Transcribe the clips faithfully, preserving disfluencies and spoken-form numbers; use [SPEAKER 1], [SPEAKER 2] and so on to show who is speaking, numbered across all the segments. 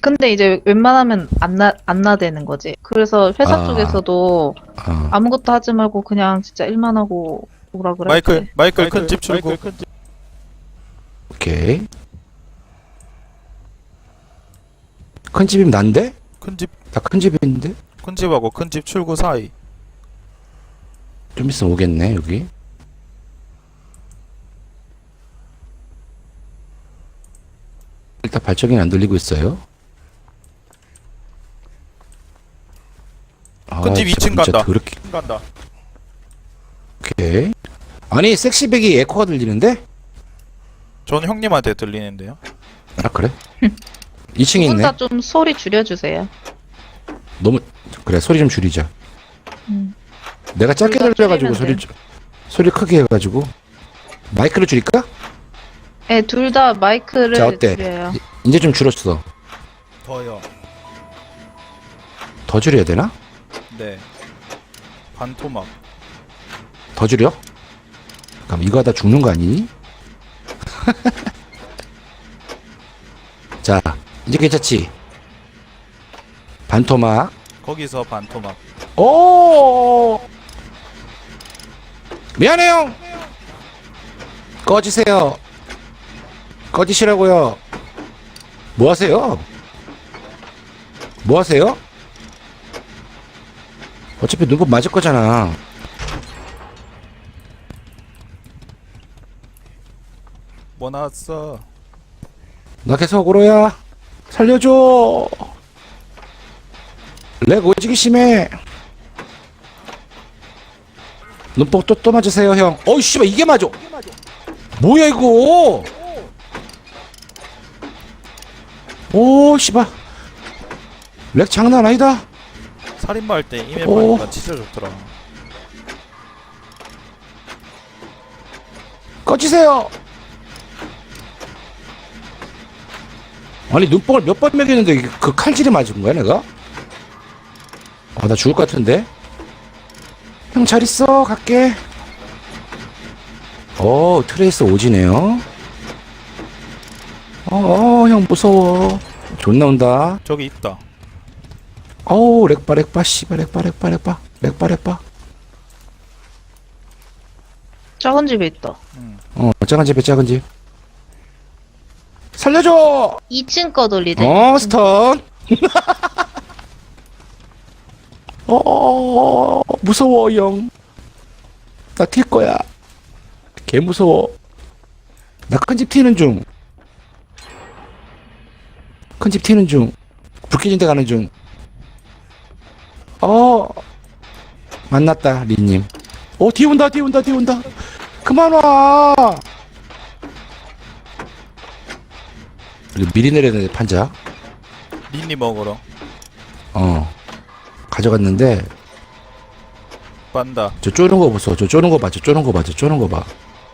[SPEAKER 1] 근데 이제 웬만하면 안 나, 안 나대는 거지. 그래서 회사
[SPEAKER 2] 아.
[SPEAKER 1] 쪽에서도
[SPEAKER 2] 아,
[SPEAKER 1] 아무것도 하지 말고 그냥 진짜 일만 하고 오라 그래.
[SPEAKER 3] 마이클 마이클 큰 집 출구.
[SPEAKER 2] 오케이. 큰 집이면 난데?
[SPEAKER 3] 큰 집
[SPEAKER 2] 나 큰 집인데?
[SPEAKER 3] 큰 집하고 큰 집 출구 사이.
[SPEAKER 2] 좀 있으면 오겠네, 여기. 일단 발전기는 안 돌리고 있어요.
[SPEAKER 3] 큰 집 이 층
[SPEAKER 2] 진짜
[SPEAKER 3] 간다.
[SPEAKER 2] 더럽게.
[SPEAKER 3] 간다.
[SPEAKER 2] 오케이. 아니, 섹시백이 에코가 들리는데?
[SPEAKER 3] 전 형님한테 들리는데요.
[SPEAKER 2] 아, 그래? 이 층에 있네.
[SPEAKER 1] 혼자 좀 소리 줄여주세요.
[SPEAKER 2] 너무, 그래, 소리 좀 줄이자.
[SPEAKER 1] 음.
[SPEAKER 2] 내가 짧게
[SPEAKER 1] 우리가
[SPEAKER 2] 들려가지고
[SPEAKER 1] 줄이면
[SPEAKER 2] 소리, 소리 크게 해가지고. 마이크를 줄일까?
[SPEAKER 1] 네, 둘 다 마이크를
[SPEAKER 2] 자, 어때?
[SPEAKER 1] 줄여요.
[SPEAKER 2] 이- 이제 좀 줄었어.
[SPEAKER 3] 더요.
[SPEAKER 2] 더 줄여야 되나?
[SPEAKER 3] 네. 반토막.
[SPEAKER 2] 더 줄여? 그럼 이거 하다 죽는 거 아니니? 자, 이제 괜찮지? 반토막.
[SPEAKER 3] 거기서 반토막.
[SPEAKER 2] 오! 미안해요! 꺼지세요. 꺼지시라고요. 뭐 하세요? 뭐 하세요? 어차피 눈곱 맞을 거잖아.
[SPEAKER 3] 뭐 나왔어?
[SPEAKER 2] 나 계속 오로야. 살려줘. 렉 오지기 심해. 눈뽕 또, 또 맞으세요, 형. 어이, 씨발, 이게 맞아. 뭐야, 이거. 오, 씨발. 렉 장난 아니다.
[SPEAKER 3] 살인마 할 때 이맵
[SPEAKER 2] 오.
[SPEAKER 3] 하니까 진짜 좋더라.
[SPEAKER 2] 꺼지세요. 아니, 눈뽕을 몇 번 먹였는데 이게 그 칼질이 맞은 거야, 내가? 아, 나 죽을 것 같은데? 형, 잘 있어. 갈게. 어, 트레이스 오지네요. 어, 어, 형, 무서워. 존나 온다.
[SPEAKER 3] 저기 있다.
[SPEAKER 2] 어우, 렉바, 렉바, 씨발, 렉바, 렉바, 렉바, 렉바, 렉바.
[SPEAKER 1] 작은 집에 있다.
[SPEAKER 3] 응.
[SPEAKER 2] 어, 작은 집에 작은 집. 살려줘!
[SPEAKER 1] 이 층 거 돌리대.
[SPEAKER 2] 어, 스턴. 어, 무서워, 형. 나 튈 거야. 개 무서워. 나 큰 집 튀는 중. 큰 집 튀는 중. 불 켜진 데 가는 중. 어, 만났다, 리님. 어, 뒤에 온다, 뒤에 온다, 뒤에 온다. 그만 와. 그리고 미리 내려야 돼, 판자.
[SPEAKER 3] 린니 먹으러.
[SPEAKER 2] 어. 가져갔는데,
[SPEAKER 3] 빤다.
[SPEAKER 2] 저 쪼는 거 보소. 저 쪼는 거 봐, 저 쪼는 거 봐, 저 쪼는 거 봐.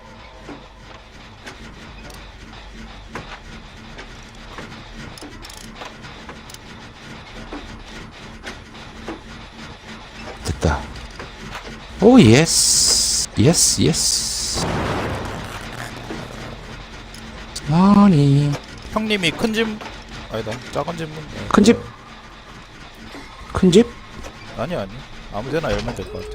[SPEAKER 2] 됐다. 오, 예스. 예스, 예스. 아니.
[SPEAKER 3] 형님이 큰 집 아니다. 작은 집 문.
[SPEAKER 2] 큰 집? 큰 집?
[SPEAKER 3] 아니 아니. 아무데나 열면 될 것 같아.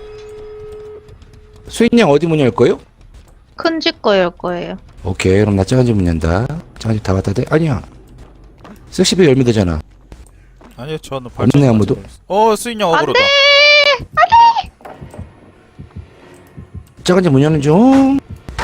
[SPEAKER 2] 수인양 어디 문 열 거요?
[SPEAKER 1] 큰 집 거일 거예요.
[SPEAKER 2] 오케이, 그럼 나 작은 집 문 연다. 작은 집 다 갖다 대? 아니야. 섹시비 열면 되잖아.
[SPEAKER 3] 아니요, 저는
[SPEAKER 2] 없네, 아무도.
[SPEAKER 3] 어, 수인형 어그로다.
[SPEAKER 2] 작은 집 문 여는 중.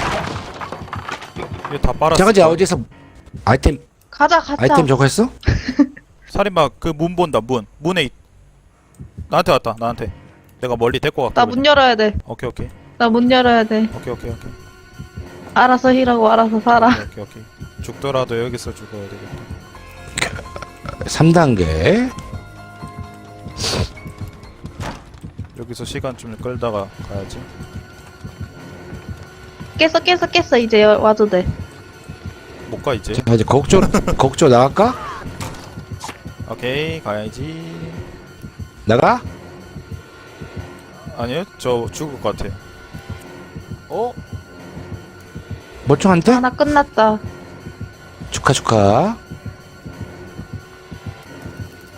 [SPEAKER 3] 이거 다 빨았어.
[SPEAKER 2] 작은 집 어디서 아이템,
[SPEAKER 1] 가자, 가자.
[SPEAKER 2] 아이템 저거 했어?
[SPEAKER 3] 살인마 그 문 본다. 문. 문에 있... 나한테 왔다. 나한테. 내가 멀리 데리고 갈게.
[SPEAKER 1] 나 문 열어야 돼.
[SPEAKER 3] 오케이 오케이.
[SPEAKER 1] 나 문 열어야 돼.
[SPEAKER 3] 오케이 오케이 오케이.
[SPEAKER 1] 알아서 힐하고 알아서 살아.
[SPEAKER 3] 오케이 오케이. 죽더라도 여기서 죽어야 되겠다.
[SPEAKER 2] 삼 단계.
[SPEAKER 3] 여기서 시간 좀 끌다가 가야지.
[SPEAKER 1] 깼어, 깼어, 깼어. 이제 여- 와도 돼.
[SPEAKER 3] 못 가 이제.
[SPEAKER 2] 자, 이제 거국조, 거국조 나갈까?
[SPEAKER 3] 오케이 가야지.
[SPEAKER 2] 나가?
[SPEAKER 3] 아니요, 저 죽을 것 같아.
[SPEAKER 2] 어? 멀쩡한데?
[SPEAKER 1] 하나 끝났다.
[SPEAKER 2] 축하, 축하.